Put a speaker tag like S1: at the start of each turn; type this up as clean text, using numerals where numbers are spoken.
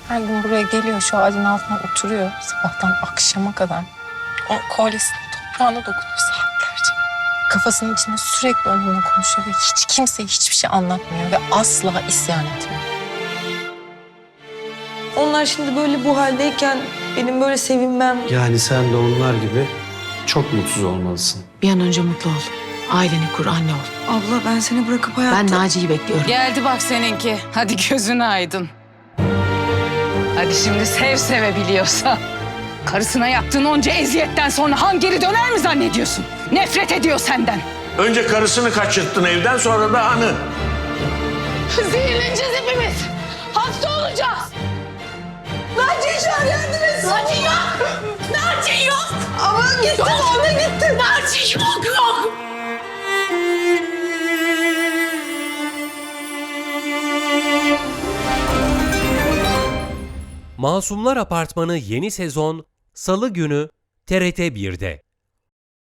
S1: Her gün buraya geliyor, şu ağacın altına oturuyor sabahtan akşama kadar. O kolyesinin toprağına dokunuyor saatlerce. Kafasının içinde sürekli onunla konuşuyor ve hiç kimseye hiçbir şey anlatmıyor ve asla isyan etmiyor.
S2: Onlar şimdi böyle bu haldeyken benim böyle sevinmem...
S3: Yani sen de onlar gibi çok mutsuz olmalısın.
S4: Bir an önce mutlu ol. Aileni kur, anne ol.
S2: Abla ben seni bırakıp hayatta...
S4: Ben Naci'yi bekliyorum.
S5: Geldi bak seninki. Hadi gözün aydın. Hadi şimdi sev sevebiliyorsa. Karısına yaptığın onca eziyetten sonra han geri döner mi zannediyorsun? Nefret ediyor senden.
S6: Önce karısını kaçırttın evden, sonra da hanı.
S5: Zehirleneceğiz hepimiz. Hasta olacağız. Naciye çağır, yardım etsin. Naciye yok. Naciye yok. Ama gitti, ona gitti. Naciye yok, yok.
S7: Masumlar Apartmanı yeni sezon Salı günü TRT 1'de.